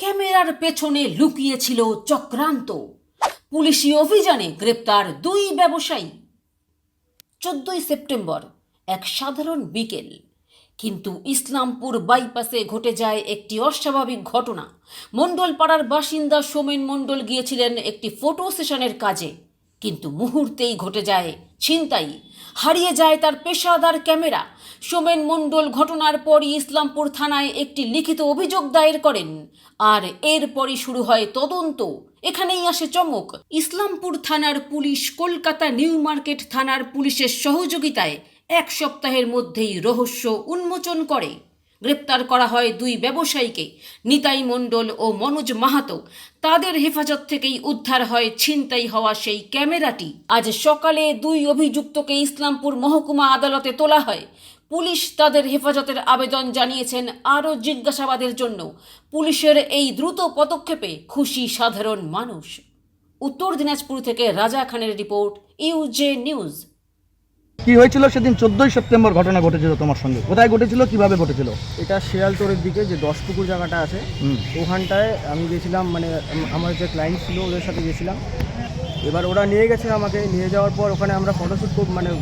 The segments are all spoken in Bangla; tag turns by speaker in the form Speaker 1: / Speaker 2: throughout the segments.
Speaker 1: ক্যামেরার পেছনে লুকিয়েছিল চক্রান্ত। পুলিশি অভিযানে গ্রেপ্তার 2 ব্যবসায়ী। 14 সেপ্টেম্বর এক সাধারণ বিকেল, কিন্তু ইসলামপুর বাইপাসে ঘটে যায় একটি অস্বাভাবিক ঘটনা। মণ্ডলপাড়ার বাসিন্দা সোমেন মণ্ডল গিয়েছিলেন একটি ফটো সেশনের কাজে, কিন্তু মুহূর্তেই ঘটে যায় ছিনতাই। হারিয়ে যায় তার পেশাদার ক্যামেরা। সোমেন মণ্ডল ঘটনার পরই ইসলামপুর থানায় একটি লিখিত অভিযোগ দায়ের করেন, আর এরপরই শুরু হয় তদন্ত। এখানেই আসে চমক। ইসলামপুর থানার পুলিশ কলকাতা নিউ মার্কেট থানার পুলিশের সহযোগিতায় 1 সপ্তাহের মধ্যেই রহস্য উন্মোচন করে। গ্রেপ্তার করা হয় 2 ব্যবসায়ীকে, নিতাই মণ্ডল ও মনোজ মাহাতো। তাদের হেফাজত থেকেই উদ্ধার হয় ছিনতাই হওয়া সেই ক্যামেরাটি। আজ সকালে 2 অভিযুক্তকে ইসলামপুর মহকুমা আদালতে তোলা হয়। পুলিশ তাদের হেফাজতের আবেদন জানিয়েছেন আরও জিজ্ঞাসাবাদের জন্য। পুলিশের এই দ্রুত পদক্ষেপে খুশি সাধারণ মানুষ। উত্তর দিনাজপুর থেকে রাজা খানের রিপোর্ট, ইউজে নিউজ।
Speaker 2: কি হয়েছিল সেদিন 14 সেপ্টেম্বর ঘটনা ঘটেছিল তোমার সঙ্গে? কোথায় ঘটেছিল, কিভাবে ঘটেছিল?
Speaker 3: এটা শিয়ালতোড়ের দিকে যে 10 পুকুর জায়গাটা আছে, ওখানটায় আমি গেছিলাম, মানে আমার যে ক্লায়েন্ট ছিল ওদের সাথে গেছিলাম। এবার ওরা নিয়ে গেছে আমাকে, নিয়ে যাওয়ার পর ওখানে আমরা ফটোশ্যুট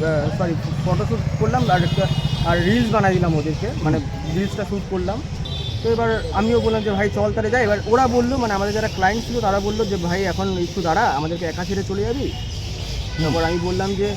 Speaker 3: করলাম আর রিলস বানাই দিলাম ওদেরকে, মানে রিলসটা শ্যুট করলাম। তো এবার আমিও বললাম যে ভাই চল তাহলে যাই। এবার ওরা বললো, মানে আমাদের যারা ক্লায়েন্ট ছিল তারা বললো যে ভাই এখন একটু দাঁড়া, আমাদেরকে একা ছেড়ে চলে যাবি। তারপর আমি বললাম যে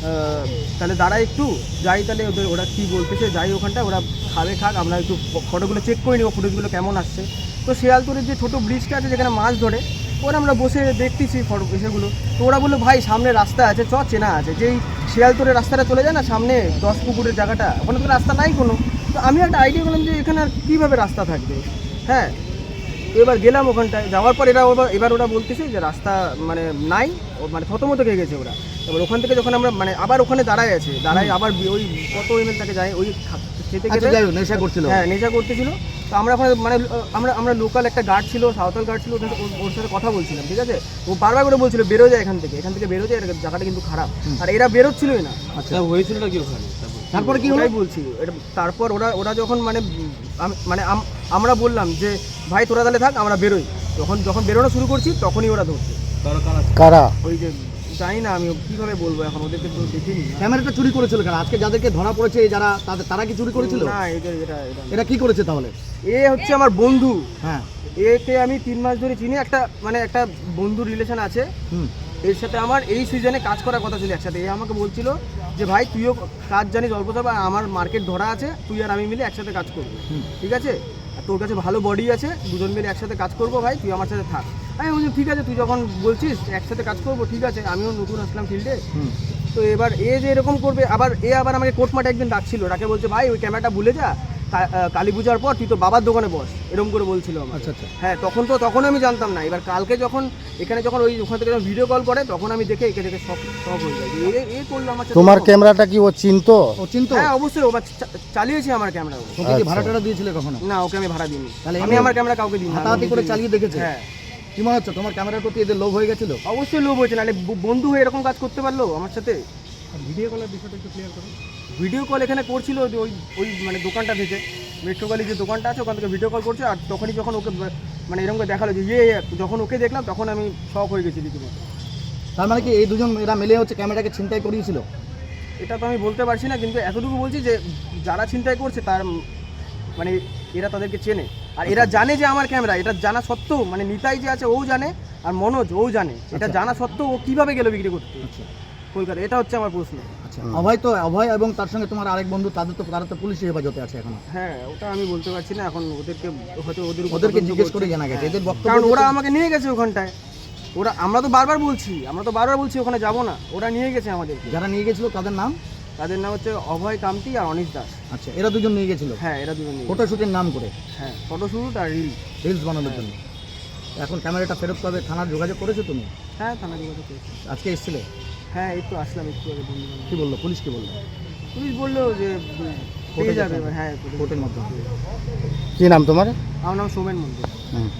Speaker 3: তাহলে দাঁড়া একটু যাই, তাহলে ওরা কী বলতেছে যাই ওখানটা, ওরা খাবে খাক, আমরা একটু ফটোগুলো চেক করে নিব ফুটেজগুলো কেমন আসছে। তো শিয়ালতোড়ের যে ছোটো ব্রিজটা আছে যেখানে মাছ ধরে, ওরা আমরা বসে দেখতেছি ফটো এসেগুলো। তো ওরা বললো ভাই সামনে রাস্তা আছে, চেনা আছে, যেই শিয়ালতোড়ের রাস্তাটা চলে যায় না সামনে 10 পুকুরের জায়গাটা, ওখানে তো রাস্তা নাই কোনো। তো আমি একটা আইডিয়া করলাম যে এখানে আর কীভাবে রাস্তা থাকবে। হ্যাঁ, এবার গেলাম ওখানটায়, যাওয়ার পর এবার ওরা বলতেছে যে রাস্তা মানে নাই, মানে থতমতো খেয়ে গেছে ওরা। এবার ওখান থেকে যখন আমরা মানে আবার ওখানে দাঁড়ায় আবার ওই কত এমএল তাকে যায় ওই খেতে
Speaker 2: নেশা করছিল।
Speaker 3: হ্যাঁ, নেশা করতেছিল। তো আমরা ওখানে মানে আমরা লোকাল একটা গার্ড ছিল, সাঁওতাল গার্ড ছিল, ওর সাথে কথা বলছিলাম, ঠিক আছে। ও বারবার করে বলছিল বেরো যায় এখান থেকে বেরো যায়, জায়গাটা কিন্তু খারাপ। আর এরা বেরোচ্ছিলই না।
Speaker 2: আচ্ছা, হয়েছিল কি ওখানে? তারপরে কি হলো
Speaker 3: বলছি, এটা তারপর ওরা যখন মানে আমরা বললাম যে ভাই তোরা তাহলে থাক, আমরা বেরোই। যখন বেরোনো শুরু করছি তখনই ওরা ধরছে।
Speaker 2: কারা?
Speaker 3: ওই যে জানি না আমি কীভাবে বলবো, এখন ওদেরকে তো দেখিনি।
Speaker 2: ক্যামেরাটা চুরি করেছিল কারা? আজকে যাদেরকে ধরা পড়েছে যারা, তারা কি চুরি করেছিল?
Speaker 3: না,
Speaker 2: এটা কি করেছে তাহলে?
Speaker 3: এ হচ্ছে আমার বন্ধু।
Speaker 2: হ্যাঁ,
Speaker 3: একে আমি 3 মাস ধরে চিনি, একটা বন্ধু রিলেশন আছে। এর সাথে আমার এই সিজনে কাজ করার কথা ছিল একসাথে। এ আমাকে বলছিল যে ভাই তুইও কাজ জানিস অল্প স্বল্প, আমার মার্কেট ধরা আছে, তুই আর আমি মিলে একসাথে কাজ করবো, ঠিক আছে? আর তোর কাছে ভালো বডি আছে, দুজন মিলে একসাথে কাজ করবো, ভাই তুই আমার সাথে থাক। আমি বলছি ঠিক আছে, তুই যখন বলছিস একসাথে কাজ করবো, ঠিক আছে। আমিও নতুন আসলাম ফিল্ডে। তো এবার এ যে এরকম করবে, আবার আমাকে কোর্টমাঠে একদিন ডাকছিল, ডাকে বলছে ভাই ওই ক্যামেরাটা ভুলে যা, কালী পূজার পর তুই তো বাবার দোকানে বস, এরকম করে বলছিল আমার।
Speaker 2: আচ্ছা আচ্ছা।
Speaker 3: হ্যাঁ, তখন আমি জানতাম না। এবার কালকে যখন ওখান থেকে ভিডিও কল করে, তখন আমি দেখে একে দেখে সব হয়ে যায়। এ করলো আমার সাথে।
Speaker 4: তোমার ক্যামেরাটা কি ও চিনতো?
Speaker 3: হ্যাঁ অবশ্যই, ও চালিয়েছে আমার ক্যামেরা।
Speaker 2: ওকে কি ভাড়া টাড়া দিয়েছিলে কখনো?
Speaker 3: না, ওকে আমি ভাড়া দিইনি।
Speaker 2: তাহলে
Speaker 3: আমি আমার ক্যামেরা কাউকে দিই না,
Speaker 2: হাতাহাতি করে চালিয়ে দেখেছে।
Speaker 3: হ্যাঁ।
Speaker 2: কি মনে হচ্ছে তোমার ক্যামেরার প্রতি এদের লোভ হয়ে গেছিল?
Speaker 3: অবশ্যই লোভ হয়েছে, নাহলে বন্ধু হয়ে এরকম কাজ করতে পারলো আমার সাথে।
Speaker 2: ভিডিও কলের বিষয়টা একটু ক্লিয়ার করো।
Speaker 3: ভিডিও কল এখানে করছিল ওই মানে দোকানটা থেকে, মেট্রোগালি যে দোকানটা আছে ওখান থেকে ভিডিও কল করছে। আর তখনই যখন ওকে মানে এরকম করে দেখালো যে যখন ওকে দেখলাম, তখন আমি শক হয়ে গেছি রীতিমতো।
Speaker 2: তার মানে কি এই দুজন এরা মিলে হচ্ছে ক্যামেরাটাকে ছিনতাই করিয়েছিল?
Speaker 3: এটা তো আমি বলতে পারছি না, কিন্তু এতটুকু বলছি যে যারা ছিনতাই করছে তার মানে এরা তাদেরকে চেনে। আর এরা জানে যে আমার ক্যামেরা, এটা জানা সত্ত্বেও, মানে নিতাই যে আছে ও জানে, আর মনোজ ও জানে, এটা জানা সত্ত্বেও ও কীভাবে গেল বিক্রি করতে কলকাতা? এটা হচ্ছে আমার প্রশ্ন।
Speaker 2: আচ্ছা, অভয় এবং তার সঙ্গে তোমার আরেক বন্ধু, তারা তো পুলিশের হেফাজতে আছে এখন।
Speaker 3: হ্যাঁ, ওটা আমি বলতে পারছি না এখন।
Speaker 2: ওদেরকে জিজ্ঞেস করে জানা গেছে এদের বক্তব্য,
Speaker 3: কারণ ওরা আমাকে নিয়ে গেছে ওখানটায়। আমরা তো বারবার বলছি ওখানে যাব না, ওরা নিয়ে গেছে আমাদের।
Speaker 2: যারা নিয়ে গেছিল তাদের নাম
Speaker 3: হচ্ছে অভয় কামতি আর অনিশ দাস।
Speaker 2: আচ্ছা, এরা দুজন নিয়ে গেছিল?
Speaker 3: হ্যাঁ, এরা দুজন নিয়ে
Speaker 2: ফটোশুটের নাম করে।
Speaker 3: হ্যাঁ, ফটোশুট আর
Speaker 2: রিলস বানানোর জন্য। এখন ক্যামেরাটা ফেরত পাবে, থানার যোগাযোগ করেছো তুমি?
Speaker 3: হ্যাঁ, থানার যোগাযোগ করেছি।
Speaker 2: আজকে এসেছিলে?
Speaker 3: হ্যাঁ, এই তো আসলাম একটু আগে।
Speaker 2: কি বললো পুলিশ? কি বললো?
Speaker 3: পুলিশ বললো যে পেয়ে যাবে। হ্যাঁ,
Speaker 2: কোর্টের মাধ্যমে।
Speaker 4: কি নাম তোমার?
Speaker 3: আমার নাম সোমেন মন্ডল।